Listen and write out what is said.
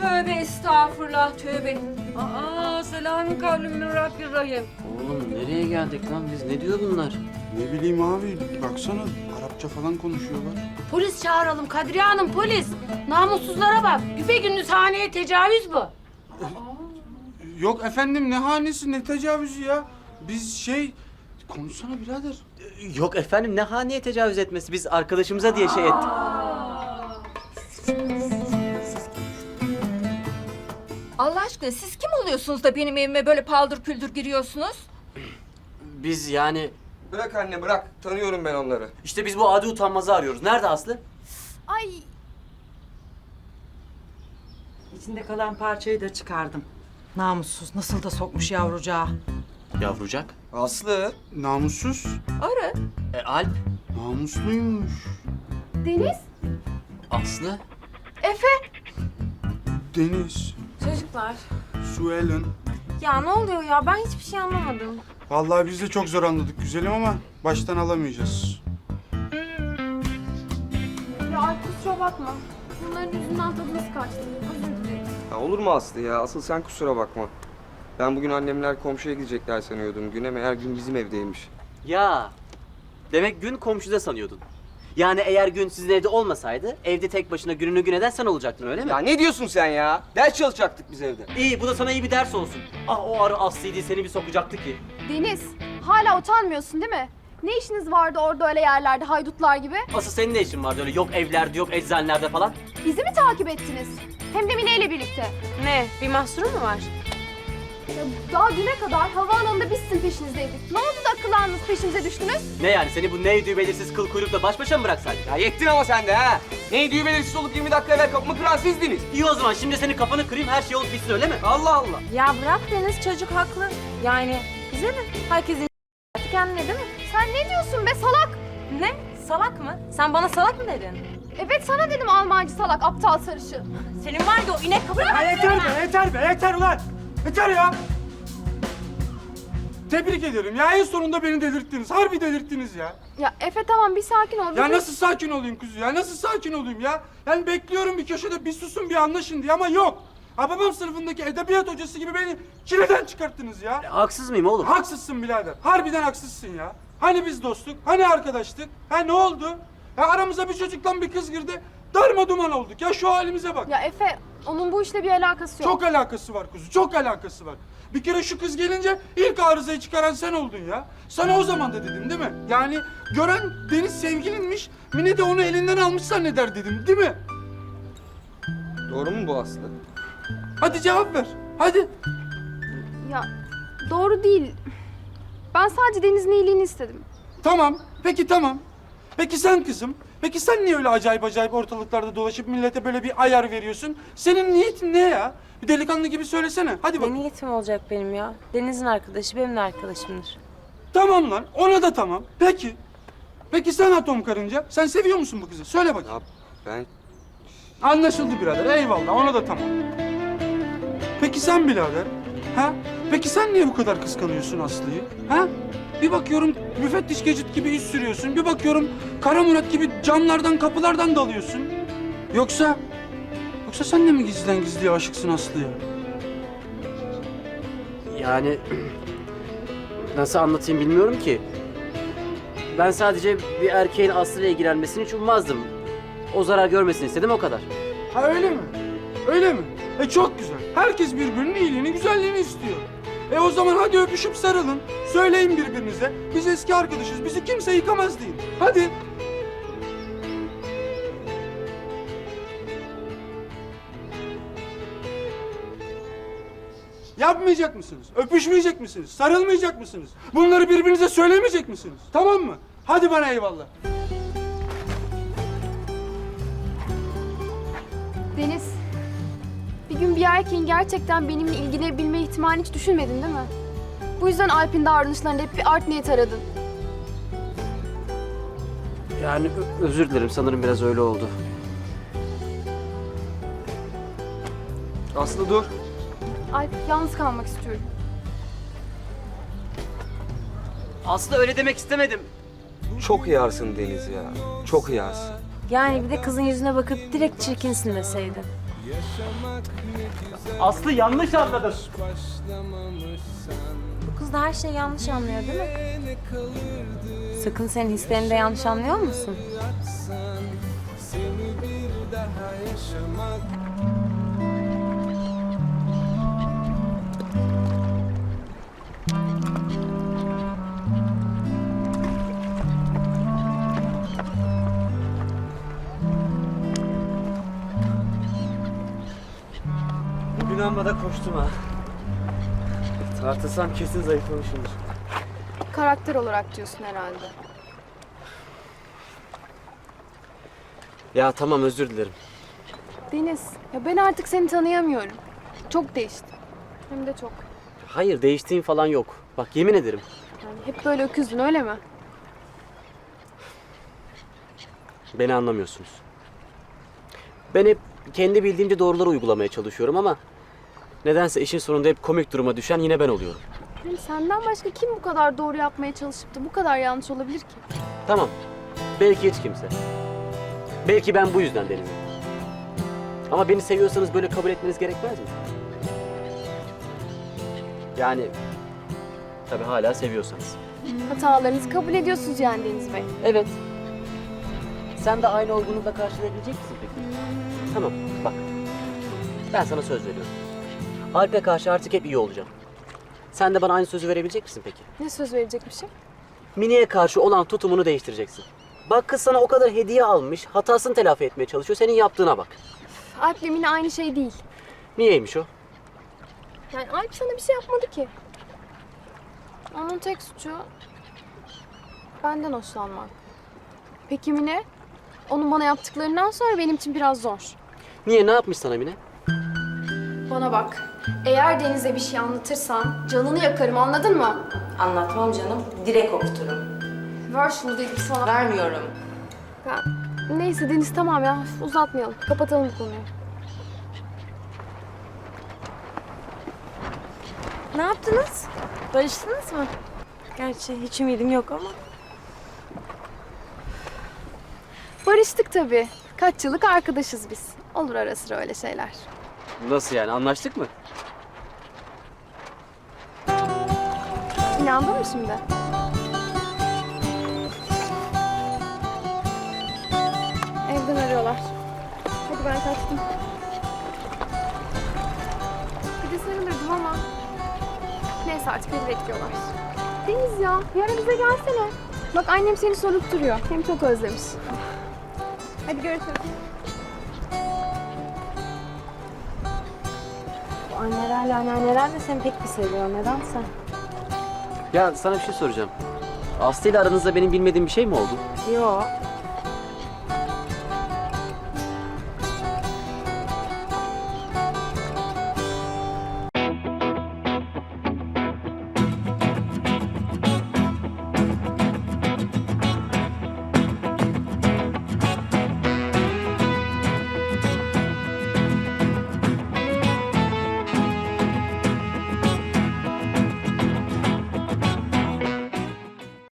Tövbe estağfurullah, tövbe. Selamün kavlüm min Rabbirrahim. Oğlum nereye geldik lan biz? Ne diyor bunlar? Ne bileyim abi, baksana Arapça falan konuşuyorlar. Polis çağıralım Kadriye Hanım, polis. Namussuzlara bak. Güpegündüz haneye tecavüz bu. Yok efendim, ne hanesi ne tecavüzü ya. Biz konuşsana birader. Yok efendim ne haneye tecavüz etmesi? Biz arkadaşımıza diye şey ettik. Allah aşkına siz kim oluyorsunuz da benim evime böyle paldır küldür giriyorsunuz? Biz yani... Bırak anne bırak. Tanıyorum ben onları. işte biz bu adi utanmazı arıyoruz. Nerede Aslı? Ay. İçinde kalan parçayı da çıkardım. Namussuz nasıl da sokmuş yavrucağı. Yavrucak. Aslı. Namussuz. Arı. Alp. Namusluymuş. Deniz. Aslı. Efe. Deniz. Çocuklar. Suelen. Ya ne oluyor ya? Ben hiçbir şey anlamadım. Vallahi biz de çok zor anladık güzelim ama baştan alamayacağız. Ya ay kusura bakma. Bunların yüzünden tadımız kaçtı. Özür dilerim. Ya olur mu Aslı ya? Asıl sen kusura bakma. Ben bugün annemler komşuya gidecekler sanıyordum. Güne meğer gün bizim evdeymiş. Ya. Demek gün komşuda sanıyordun. Yani eğer gün sizin evde olmasaydı, evde tek başına gününü gün eden sen olacaktın öyle mi? Ya ne diyorsun sen ya? Ders çalışacaktık biz evde. İyi, bu da sana iyi bir ders olsun. Ah o arı Aslı'ydı, seni bir sokacaktı ki. Deniz, hala utanmıyorsun değil mi? Ne işiniz vardı orada öyle yerlerde haydutlar gibi? Asıl senin ne işin vardı öyle yok evlerde, yok eczanelerde falan? Bizi mi takip ettiniz? Hem de Mine ile birlikte. Ne? Bir mahsuru mu var? Ya daha düne kadar havaalanında biz sizin peşinizdeydik. Ne oldu da akıllandınız peşimize düştünüz? Ne yani, seni bu neydi belirsiz kıl kuyrukla baş başa mı bıraksaydık? Ya yettin ama sen de ha. Neydi belirsiz olup 20 dakika evvel kapımı kıran sizdiniz. İyi o zaman, şimdi senin kafanı kırayım, her şey olup bitsin öyle mi? Allah Allah. Ya bırak Deniz, çocuk haklı. Yani bize mi? Herkesin kendine değil mi? Sen ne diyorsun be salak? Ne? Salak mı? Sen bana salak mı dedin? Evet sana dedim Almancı salak, aptal sarışı. Senin var ya o inek kapı... Yeter ulan! Yeter ya! Tebrik ederim ya, en sonunda beni delirttiniz. Harbi delirttiniz ya. Ya Efe tamam bir sakin ol. Ya nasıl sakin olayım kuzu ya? Nasıl sakin olayım ya? Yani bekliyorum bir köşede bir susun bir anlaşın diye ama yok. Ha babam sınıfındaki edebiyat hocası gibi beni çileden çıkarttınız ya. Haksız mıyım oğlum? Haksızsın birader. Harbiden haksızsın ya. Hani biz dostluk? Hani arkadaştık? Ha ne oldu? Ya aramıza bir çocukla bir kız girdi. Darma duman olduk ya, şu halimize bak. Ya Efe, onun bu işle bir alakası yok. Çok alakası var kuzu, çok alakası var. Bir kere şu kız gelince ilk arızayı çıkaran sen oldun ya. Sana o zaman da dedim değil mi? Yani gören Deniz sevgilinmiş, Mine de onu elinden almış zanneder dedim değil mi? Doğru mu bu Aslı? Hadi cevap ver, hadi. Ya doğru değil. Ben sadece Deniz'in iyiliğini istedim. Tamam, peki tamam. Peki sen kızım, peki sen niye öyle acayip acayip ortalıklarda dolaşıp millete böyle bir ayar veriyorsun? Senin niyetin ne ya? Bir delikanlı gibi söylesene, hadi bak. Ne niyetim olacak benim ya? Deniz'in arkadaşı benim de arkadaşımdır. Tamam lan, ona da tamam. Peki. Peki sen atom karınca, sen seviyor musun bu kızı? Söyle bakayım. Ya ben... Anlaşıldı birader, eyvallah, ona da tamam. Peki sen birader, ha? Peki sen niye bu kadar kıskanıyorsun Aslı'yı, ha? Bir bakıyorum müfettiş Gecit gibi iş sürüyorsun, bir bakıyorum Kara Murat gibi camlardan, kapılardan dalıyorsun. Yoksa sen de mi gizliden gizliye aşıksın Aslı'ya? Yani nasıl anlatayım bilmiyorum ki. Ben sadece bir erkeğin Aslı'yla ilgilenmesini hiç ummazdım. O zarar görmesini istedim, o kadar. Ha öyle mi? Öyle mi? Çok güzel. Herkes birbirinin iyiliğini, güzelliğini istiyor. O zaman hadi öpüşüp sarılın. Söyleyin birbirinize. Biz eski arkadaşız. Bizi kimse yıkamaz deyin. Hadi. Yapmayacak mısınız? Öpüşmeyecek misiniz? Sarılmayacak mısınız? Bunları birbirinize söylemeyecek misiniz? Tamam mı? Hadi bana eyvallah. Deniz, bir gün bir erkeğin gerçekten benimle ilgilenebilme ihtimalini hiç düşünmedin değil mi? Bu yüzden Alp'in davranışlarında hep bir art niyet aradın. Yani özür dilerim, sanırım biraz öyle oldu. Aslı dur. Alp, yalnız kalmak istiyorum. Aslı öyle demek istemedim. Çok hıyarsın Deniz ya. Çok hıyarsın. Yani bir de kızın yüzüne bakıp direkt çirkinsin deseydin. Aslı yanlış anladın. Bu kız da her şeyi yanlış anlıyor değil mi? Sakın senin hislerini de yanlış anlıyor musun? Bugün amma da koştum ha. Tartılsam kesin zayıflamışımdır. Karakter olarak diyorsun herhalde. Ya tamam, özür dilerim. Deniz, ya ben artık seni tanıyamıyorum. Çok değiştin. Hem de çok. Hayır, değiştiğim falan yok. Bak yemin ederim. Yani hep böyle öküzdün öyle mi? Beni anlamıyorsunuz. Ben hep kendi bildiğimce doğruları uygulamaya çalışıyorum ama nedense işin sonunda hep komik duruma düşen yine ben oluyorum. Yani senden başka kim bu kadar doğru yapmaya çalışıp da bu kadar yanlış olabilir ki? Tamam. Belki hiç kimse. Belki ben bu yüzden Deniz'im. Ama beni seviyorsanız böyle kabul etmeniz gerekmez mi? Yani tabii hala seviyorsanız. Hatalarınızı kabul ediyorsunuz yani Deniz Bey. Evet. Sen de aynı olgunlukla karşılayabilecek misin peki? Tamam, bak. Ben sana söz veriyorum. Alp'e karşı artık hep iyi olacağım. Sen de bana aynı sözü verebilecek misin peki? Ne söz verecekmişim? Mine'ye karşı olan tutumunu değiştireceksin. Bak kız sana o kadar hediye almış, hatasını telafi etmeye çalışıyor. Senin yaptığına bak. Alp'le Mine aynı şey değil. Niyeymiş o? Yani Alp sana bir şey yapmadı ki. Onun tek suçu benden hoşlanmak. Peki Mine? Onun bana yaptıklarından sonra benim için biraz zor. Niye, ne yapmış sana Mine? Bana bak. Eğer Deniz'e bir şey anlatırsan canını yakarım, anladın mı? Anlatmam canım. Direkt okuturum. Ver şunu dedim sana. Vermiyorum. Ya, neyse Deniz tamam ya, uzatmayalım. Kapatalım bu konuyu. Ne yaptınız? Barıştınız mı? Gerçi hiç ümidim yok ama. Barıştık tabii. Kaç yıllık arkadaşız biz. Olur ara sıra öyle şeyler. Nasıl yani, anlaştık mı? İnandın mı şimdi? Evden arıyorlar. Hadi ben kaçtım. Bir de sarılırdım ama. Neyse artık beni bekliyorlar. Deniz ya, yarın bize gelsene. Bak annem seni sorup duruyor. Hem çok özlemiş. Hadi görüşürüz. Bu annelerle anneanneler de seni pek bir seviyor. Nedense. Ya sana bir şey soracağım. Aslı ile aranızda benim bilmediğim bir şey mi oldu? Yok.